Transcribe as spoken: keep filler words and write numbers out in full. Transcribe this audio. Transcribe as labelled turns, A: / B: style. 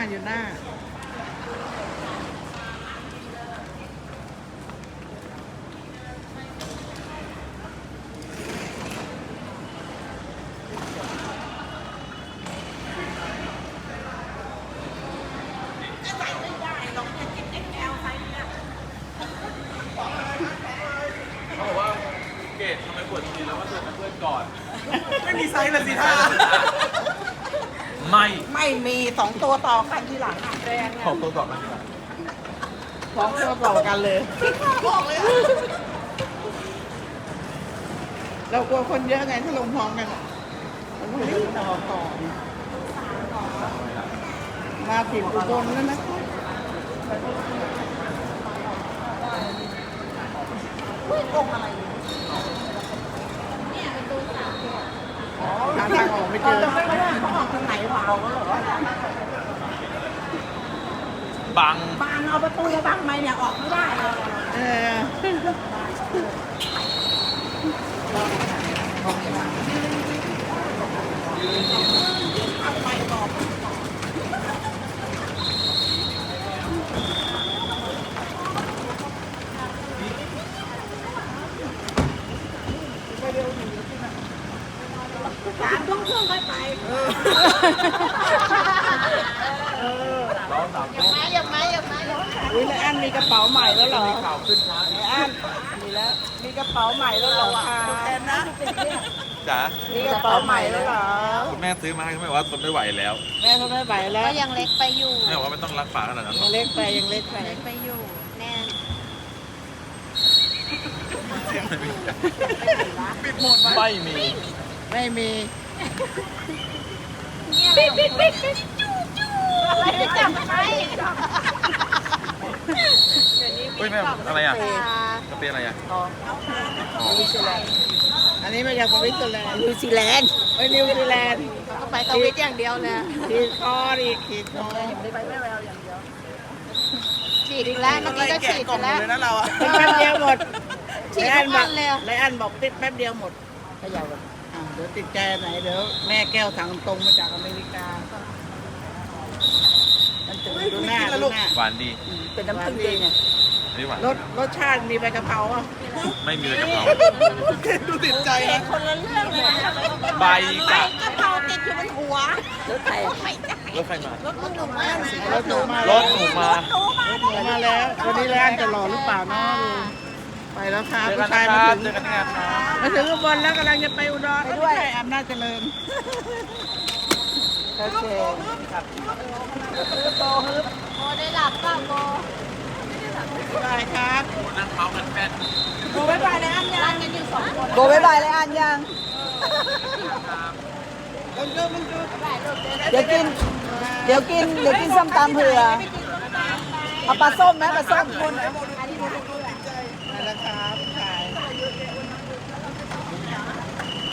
A: อยู่หน้า
B: เขาบอกว่าเกดทำไมปวดทีแล้วว่าเธอเป็นเพื่อนก่อน
C: ไม่มีไซส์เลยสิท่า
B: ไม่
A: ไม่มีสองตัวต่อกันทีหลังอ่ะแรง
B: ขอบตัวต่อกันดีกว่า
A: สองตัวต่อกันเลยบอกเลยเรากลัวคนเยอะไงถ้าลงพร้อมกันอ่ะมันต้องรีบต่อต่อมาติดอุบลแล้วนะหาทางออกไม่เจอเขาออกทางไหนวะ
B: บัง
A: บางเอาประตูมาบังไหมเนี่ยออกไม่ได้เลยเออสามทุ่มครึ่งค่อยไป
B: เราสามคน
A: อย่ามาอย่ามาอย่ามาอุ้ยแล้วอันมีกระเป๋าใหม่แล้วเหรอ
B: มีข่าวขึ้นช้า
A: ไอ้อันมีแล้วมีกระเป๋าใหม่แล้วเหรอคะแทนนะ
B: จ๋า
A: มีกระเป๋าใหม่แล้วเหรอ
B: คุณแม่ซื้อมาให้เขาไม่ว่าทนไม่ไหวแล้ว
A: แม่เขาไม่ไหวแล้ว
D: ก็ยังเล็กไปอยู่
B: แม่บอกว่าไม่ต้องรักฝาขนาดนั้น
A: ยังเล็กไปยังเล็กไป
D: เล็กไปอยู่แน่น
B: ปิดหมดไม่มี
A: ไม่มี
D: ปิดปิดปิดปิดจู้จู้อะไรไปจับไป
B: เฮ้ยแม่อะไรอ่ะกระเปียอะไรอ่ะ
A: นิวซีแลนด์อันนี้มาจากสวิตเซอร์แลนด์นิวซีแลนด์ไปนิวซีแลนด์
D: ก็ไปสวิตอย่างเดียวเลย
A: ขีดคออีกขีดคอ
D: ฉีดอีกแล้วเมื่อกี้ก็ฉีดไปแล้ว
C: เลยนะเราอะ
A: แป๊บเดียวหมด
D: ฉีด
A: ไล
D: ทุ
A: อั
D: ก
A: นบอน ก
D: วัเลยอะ
A: ไลอันบอกติดแป๊บเดียวหมดเขย่ากันอ่าเดี๋ยวติดใจไหนเดี๋ยวแม่แก้วทางตรงมาจากอเมริกามันถึงดูหน้าดูหน้า
B: หวานดี
A: เป็นน้ำผึ้งดีเนี่ย
B: อันนี้หวาน
A: รสรสชาติมีใบกะเพราอ่ะ
B: ไม่มีเลยกะเพรา
C: ดูติดใจนะ
D: คนละเรื่องเลย
B: ใบกะ
D: กะเพราติดอยู่บนหัว
A: รสไทย
B: รถใครมาร
D: ถหนูมาก
A: รสหนูมาร
B: ถหนูมา
A: รถหนูมาแล้ว วันนี้ไลอันจะหล่อหรือเปล่าเนาะไปแล้วค่ะ
B: เจอ
A: ผู้
B: กัน
A: ชาย
B: นะค
A: มา
B: รับ
A: ถึง
B: เจอกันที่งานครับ
A: มาถึงอุบลแล้วกำลังจะไปอุดรไม่ใช่อำนาจเจริญโอเค
D: โมได้หลับเปล่าโม
A: บายครับ
B: นั่งเมาส์กันแฟน
A: โบายบายเลยอันยั
D: ร้าง นกันอยู่สองคน
A: โบายบายเลยอันยังมันดูมันดู
E: เดี๋ยวกิน เดี๋ยวกิน เดี๋ยวกินส้มตำเผื่อ เอาปลาส้มไหมปลาส้ม
A: คนไหนโมดูดูดู